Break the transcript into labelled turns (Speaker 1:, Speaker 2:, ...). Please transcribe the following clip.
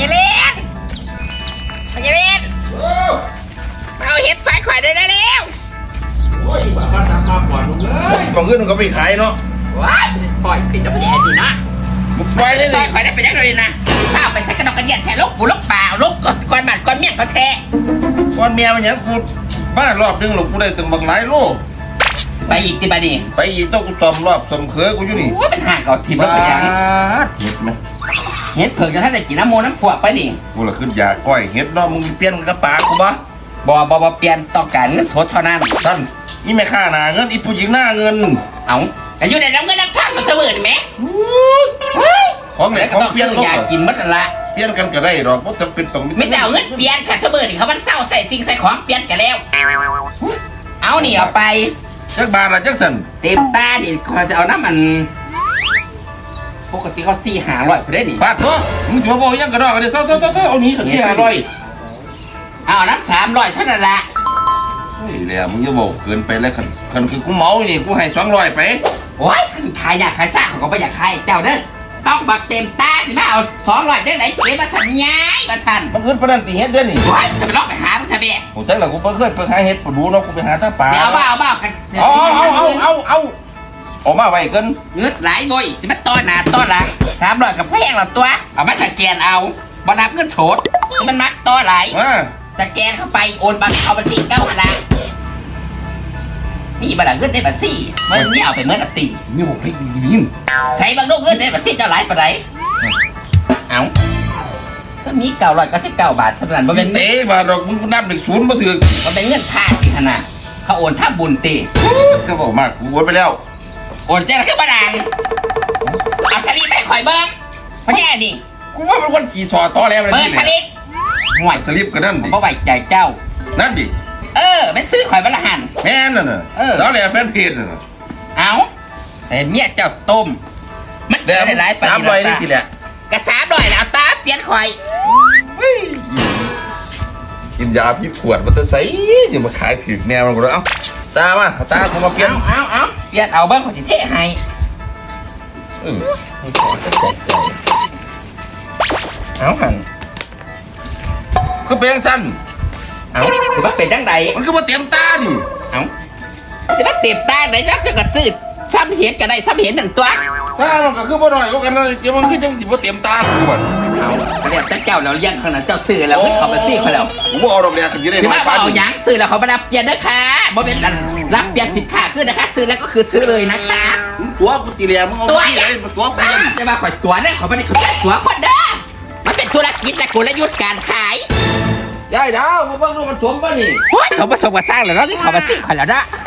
Speaker 1: ญาเล่นพญาเล่นเอาเห็ดใส่ข่อยได้แล้ว
Speaker 2: โอ้ยบ้ามาตามมาปล่อยมึงเลยกล่องขึ้นมึงก็ไปขายเนาะ
Speaker 1: ว้ายปล่อยผิดจะไม่แย่ดีนะ
Speaker 2: มึงปล่อยได้เล
Speaker 1: ใส่
Speaker 2: ย
Speaker 1: ข่อยได้ไปยังเลยนะข้าวไปใส่กระดองกระเดียนแทนลูกปูลูกเปล่าลูกก้อนบาดก้อนเมี่ยงก็แท้
Speaker 2: ก้อนเมียมันยังกูบ้ารอบนึงหรอกกูได้ถึงบักหลายโล
Speaker 1: ไปอีกตีบาดี
Speaker 2: ไปอีกต้องกูตอมรอบสมเขือกูอยู่นี่
Speaker 1: ว่าเป็นห่างกับทีมแล้ว
Speaker 2: บ้า
Speaker 1: เป็นยัง
Speaker 2: เห็ดไหม
Speaker 1: เห็ดเผือกจะถ้าได้กินน้ำโมน้ำพวกไปดิ
Speaker 2: กูละขึ้นยาก้อยเห็ดเนาะมึงเปลี่ยนกับปลากูบ่
Speaker 1: บ่เปลี่ยนต้องการเงินสดเท่านั้น
Speaker 2: ท่านอีแม่ข้าหนาเงินอีผู้หญิงหน้าเงิน
Speaker 1: เอาแต่อยู่ในน้ำเงินน้ำท่ามันเสมอไหม
Speaker 2: ของไหน
Speaker 1: แล้วก็
Speaker 2: ของ
Speaker 1: ต้อง
Speaker 2: เปลี่ยน
Speaker 1: ซื้อ
Speaker 2: เขา
Speaker 1: อยาก
Speaker 2: ก็
Speaker 1: กินมัดละ
Speaker 2: เปลี่ยนกันก็ได้หรอกเพราะจะเป็นต้อง
Speaker 1: ไม่แต่เอาเงินเปลี่ยนค่ะเสมอนี่เขามันเศร้าใส่สิ่งใส่ของเปลี่ยนกันแล้ว เอานี่เอาไป
Speaker 2: จักบาทละจักสัน
Speaker 1: เต็มตาดิเขาจะเอาน้ำมันปกติเขา400-500ไปได้ดิ
Speaker 2: บาทเนาะมึงจะมาบอกยังกระดอกกันเดี๋ยวเศร้าเอานี้ถึงที่500
Speaker 1: เอาน้ำ300เท่านั้นละ
Speaker 2: เฮ้ยเดี๋ยวมึงจะบอกเกินไปแล้วคันคือกูเมานี่กูให้200ไป
Speaker 1: โอ้ยขึ้นขายอยากขายซ่าเขาก็ไม่อยากขายเจ้าเด้อต้องบักเต็มตาสิมาเอา200ได้ไหนเจ๊มาสัญญามาทัน
Speaker 2: มันขึ้นประดันตีเฮ็ดเด้อนี่
Speaker 1: โอ้ยจะไปลอกไปหามันทำไม
Speaker 2: โอ้แต่ละกูเพิ่งเคยไปหาเฮ็ดปดูเนาะกูไปหาตาป่า
Speaker 1: เดี๋ยวเอาบ้ากัน
Speaker 2: เอาออกมาไว้กัน
Speaker 1: เงือดหลายงอยจะมาต้อนหน้าต้อนหลัง300กับแพงหรอตัวเอามาสแกนเอาบรับเงินโฉดมันมักต้อไหล
Speaker 2: มา
Speaker 1: สแกนเข้าไปโอนบัตรเอาบัตรสี่9ละนี่บัตรเงินได้บัตรสี่มันนี่เอาไปเมื่อนาที
Speaker 2: นี่บอกให้ยิน
Speaker 1: ใช้บางลูกเงินได้บัตรสี่เจ้าหลายปะไรเอาก็มี999 บาทเท่านั้นมัน
Speaker 2: เป็
Speaker 1: เป็น น
Speaker 2: เตะบาดอกมึงนับเด็กศูนย์มาถือ
Speaker 1: มันเป็นเงินค่าที่ขนาดเขาโอนท่าบุญตี
Speaker 2: ก็บอกมากกูโอนไปแล้ว
Speaker 1: โอนเจ้าขึ้นมาดังเอาชลีไม่ข่อยเบิ้งเพราะแย่ดิ
Speaker 2: กูว่ามันวันขี่สอต่อแล้วเลย
Speaker 1: เบิ้ง
Speaker 2: นี่
Speaker 1: ชลีห่วย
Speaker 2: สลิปกันนั่นดิ
Speaker 1: เพราะไว้ใจเจ้า
Speaker 2: นั่นดิ
Speaker 1: เป็นซื้อข่อยบรรหัน
Speaker 2: แม่นั่นน่ะแล้วแหละแฟนเพจน่ะ
Speaker 1: เอาแต่เมียเจ้าต้มมัน
Speaker 2: แดม
Speaker 1: ได้หลายปี
Speaker 2: 300นี่ทีแหละ
Speaker 1: กระ300แล้วตาเปลี่ยนข่อย
Speaker 2: กินยาพิษขวดมันจะใส่อย่ามาขายถึงแนวมันก็เลยเอ้าตามาตาผมมาเปลี่ยน
Speaker 1: เอาเปลี่ยนเอาเบิ้งข่อยจะเทให้ เอาหัน
Speaker 2: คือเป็นสั้น
Speaker 1: เอาถือว่าเป็นจังใด
Speaker 2: มันก็มาเตรียมตานี่
Speaker 1: เอาจะมาเต็มตาไหนจักจะกระซื้อซ้ำเห็นกันได้ซ้ำเห็นหนึ่งตัว
Speaker 2: ตามันก็คือบ่น้อยกว่ากันนะเดี๋ยวมันคือจังสิบ่เตรียมตากูบ่
Speaker 1: เอาก็เรียกเจ้าแล้วเลี้ยงขนาดเจ้าซื้อแล้วไม่เขาไปซี่เขาแล้ว
Speaker 2: กูบ่เอาดอกแรกกันสิได้
Speaker 1: ถือ
Speaker 2: น้อย
Speaker 1: ว่า
Speaker 2: ปาน
Speaker 1: เอา
Speaker 2: นี้
Speaker 1: หยังซื้อแล้วเขาไม่รับเปลี่ยนนะคะบ่เป็นอันรับเปลี่ยนสินค้าขึ้นนะคะ ซื้อแล้วก็คือซื้อเลยนะคะ
Speaker 2: ตัวกูตีแหลมึงเอาที่ไหนตัวกูยัง
Speaker 1: จะมาข่อยตัวเนี่ยขอไม่ได้ข่อยตัวคนเด้อมันเป็นธุรกิจและกลยุทธ์การขาย
Speaker 2: ยายดาวมึงเบิ่งดูมันสมป่ะนี่
Speaker 1: โอ้ยเขาผสมกับสร้างแล้วเนาะที่เขามาซี่ข่อยแล้วนะ